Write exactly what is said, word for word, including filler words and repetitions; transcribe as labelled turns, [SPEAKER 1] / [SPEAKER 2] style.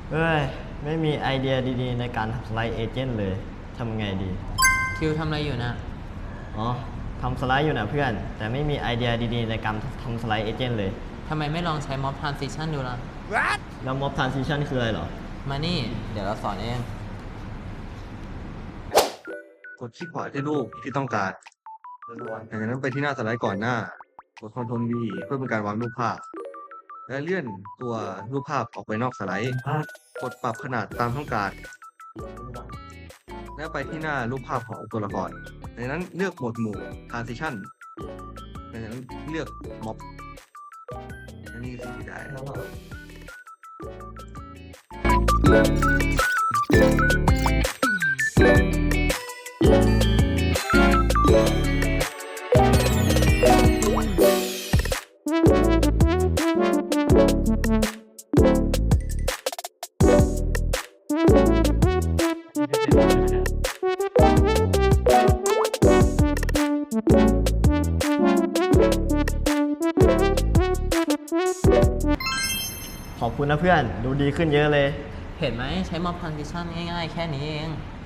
[SPEAKER 1] เอ้ยไม่มีไอเดียดีๆในการทำสไลด์เอเจนต์เลยทำไงดี
[SPEAKER 2] คิวทำอะไรอยู่นะ
[SPEAKER 1] อ๋อทำสไลด์อยู่นะเพื่อน แต่ไม่มีไอเดียดีๆในการทำสไลด์เอเจนต์เลย
[SPEAKER 2] ทำไมไม่ลองใช้ Mob Transition ดูล่ะ
[SPEAKER 1] แล้ว Mob Transition คืออะไรเหรอ
[SPEAKER 2] มานี่ เดี๋ยวเราสอนเอง
[SPEAKER 3] กดคลิกขวาที่รูปที่ต้องการจากนั้นไปที่หน้าสไลด์ก่อนหน้า กด Ctrl V เพื่อเป็นการวางรูปภาพ และเลื่อนตัวรูปภาพออกไปนอกสไลด์ กดปรับขนาดตามต้องการ และไปที่หน้ารูปภาพของตัวละครจากนั้นเลือกโหมดหมู่ Transition จากนั้นเลือก Mob อันนี้คือสิ่งที่ได้
[SPEAKER 1] ขอบคุณนะเพื่อน ดูดีขึ้นเยอะเลย
[SPEAKER 2] เห็นไหมใช้ Mob Transition ง่ายๆ แค่นี้เอง